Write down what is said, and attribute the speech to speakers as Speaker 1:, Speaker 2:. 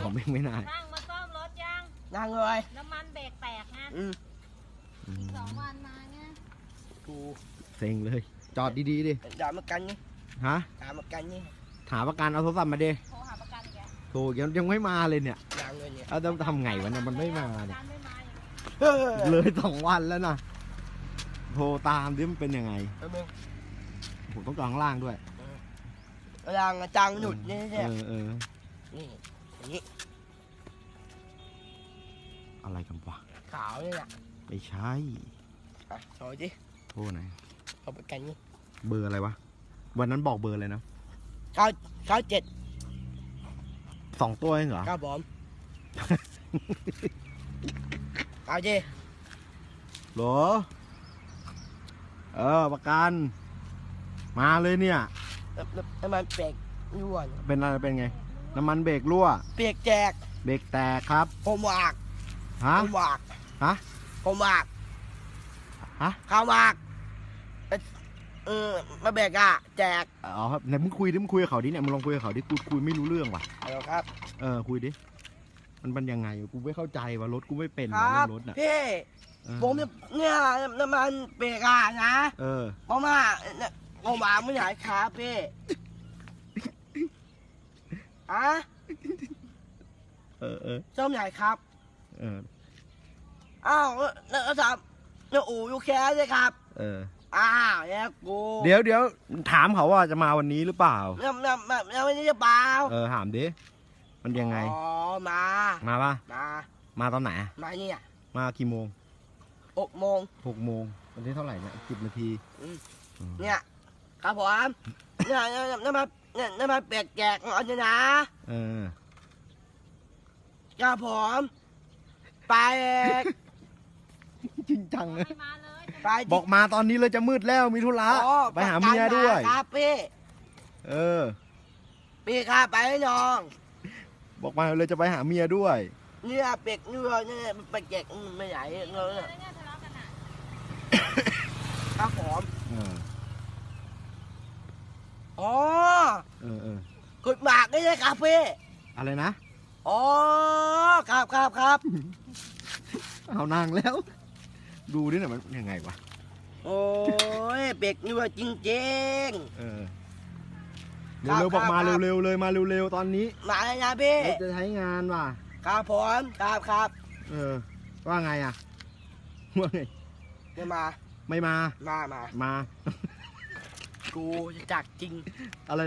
Speaker 1: ของแม่งไม่นาน
Speaker 2: ช่างมาซ่อมรถยัง
Speaker 3: ยังเลย
Speaker 2: น้ำมันเบรกแตกนะ
Speaker 1: อืม
Speaker 2: 2 วันมาไง
Speaker 3: กู
Speaker 1: เซ็งเลย จอดดีๆดิ
Speaker 3: ด่ามากันนี่
Speaker 1: ฮะ
Speaker 3: ด่ามากันนี่
Speaker 1: หาประกันเอาโทรศัพท์มาดิ
Speaker 2: โทรหาประกันแก
Speaker 1: โธ่ยังไม่มาเลยเนี่ย
Speaker 3: ยังเลยเนี่ย
Speaker 1: เอาจะทำไงวะเนี่ยมันไม่มา
Speaker 2: ประ
Speaker 1: เนี่ย
Speaker 2: กันไม่มาอย่าง
Speaker 3: เฮ้ย
Speaker 1: เลย2 วันแล้วนะโทรตามดิมันเป็นยังไง
Speaker 3: มึง
Speaker 1: ผมต้องจอดข้างล่างด้วย
Speaker 3: รังจังหนุดนี่เนี่ย
Speaker 1: เออ
Speaker 3: นี่อย่างนี้
Speaker 1: อะไรกันวะ
Speaker 3: ขาวนี่แหละ
Speaker 1: ไม่ใช่
Speaker 3: อ่ะโชว์ดิ
Speaker 1: โทษไหน
Speaker 3: เอาไปกันนี่
Speaker 1: เบอร์อะไรวะวันนั้นบอกเบอร์เลยนะ
Speaker 3: 97
Speaker 1: 2 ตัวเองเหรอ
Speaker 3: ครับผมเอาดิ
Speaker 1: หรอประกันมาเลยเนี่ย
Speaker 3: น้ำมันเปียกรั่ว
Speaker 1: เป็นอะไรเป็นไง น้ำมันเบรกรั่ว
Speaker 3: เปียกแจก
Speaker 1: เบรกแตกครับ
Speaker 3: ผมวาก
Speaker 1: ฮะ
Speaker 3: ผมวาก
Speaker 1: ฮะ
Speaker 3: ผมวาก
Speaker 1: ฮะ
Speaker 3: ข้าววากมาเบรกอ่ะแจก
Speaker 1: อ๋อครับไหนมึงคุยกับเขาดิเนี่ยมึงลองคุยกับเขาดิกูคุยไม่รู้เรื่องว่ะ
Speaker 3: เอาครับ
Speaker 1: คุยดิมันยังไงกูไม่เข้าใจว่ารถกูไม่เป็น
Speaker 3: ค
Speaker 1: ว่ะ
Speaker 3: รั
Speaker 1: เรื่
Speaker 3: บ
Speaker 1: องรถน่ะ
Speaker 3: พี่
Speaker 1: เออ
Speaker 3: ผมเนี่ยน้ำมันเบรกอ่ะนะ
Speaker 1: เออ
Speaker 3: เพราะว่าผมวางไม่ไหนครับพี่อะ ส้มใหญ่ครับ
Speaker 1: เออ
Speaker 3: อ้าวแล้วทำแล้วอู่ยูแคสเลยครับ
Speaker 1: เออ
Speaker 3: อ้าวแล้วกู
Speaker 1: เดี๋ยวถามเขาว่าจะมาวันนี้หรือเปล่า
Speaker 3: แล้ววันนี้จะเปล่า
Speaker 1: ถามดิมันยังไง
Speaker 3: อ๋อมา
Speaker 1: มาปะ
Speaker 3: มา
Speaker 1: มาตอนไหน
Speaker 3: มาเนี่ย
Speaker 1: มากี่โมง
Speaker 3: 6 โมง
Speaker 1: 6 โมงวันที่เท่าไหร่เนี่ย10 นาที
Speaker 3: เนี่ยครับผมเนี่ยน้ำมันเปียกแจกเอาเนี่ยนะ
Speaker 1: เออ
Speaker 3: ครับผมไป
Speaker 1: จริงจังเลย
Speaker 2: ให้มาเลย
Speaker 3: ไป
Speaker 1: บอกมาตอนนี้เลยจะมืดแล้วมีธุระ
Speaker 3: อ๋อ
Speaker 1: ไปหาเมียด้วย
Speaker 3: ครับพี่
Speaker 1: เออ
Speaker 3: พี่ครับไปให้น้อง
Speaker 1: บอกมาเลยจะไปหาเมียด้วย
Speaker 3: เนี่ยเป็กเนี่ยเนี่ยไปแจกไม่ใหญ่เลย
Speaker 2: แล้วเนี่ยทะเลาะกันอ่ะ
Speaker 3: ครับผม
Speaker 1: เออ
Speaker 3: อ๋อ
Speaker 1: เออ
Speaker 3: กุดหมากนี่เลยครับพี่
Speaker 1: อะไรนะ
Speaker 3: อ๋อครับ
Speaker 1: เอานางแล้ว ดูดิเนี่ยมันยังไงวะ
Speaker 3: โอ้ยเป็กเนี่ยจริง
Speaker 1: เออ
Speaker 3: ครับ
Speaker 1: เร็วๆบอกมา
Speaker 3: ครับ
Speaker 1: เร็วๆเลยมาเร็วๆตอนนี้
Speaker 3: ๆมาเลยนะพี่
Speaker 1: เราจะใช้งานว่ะ
Speaker 3: ครับผมครับ
Speaker 1: ว่าไงอ่ะว่าไง
Speaker 3: จะมา
Speaker 1: ไม่มา
Speaker 3: มา
Speaker 1: มา
Speaker 3: กูจะจักจริง
Speaker 1: อะไร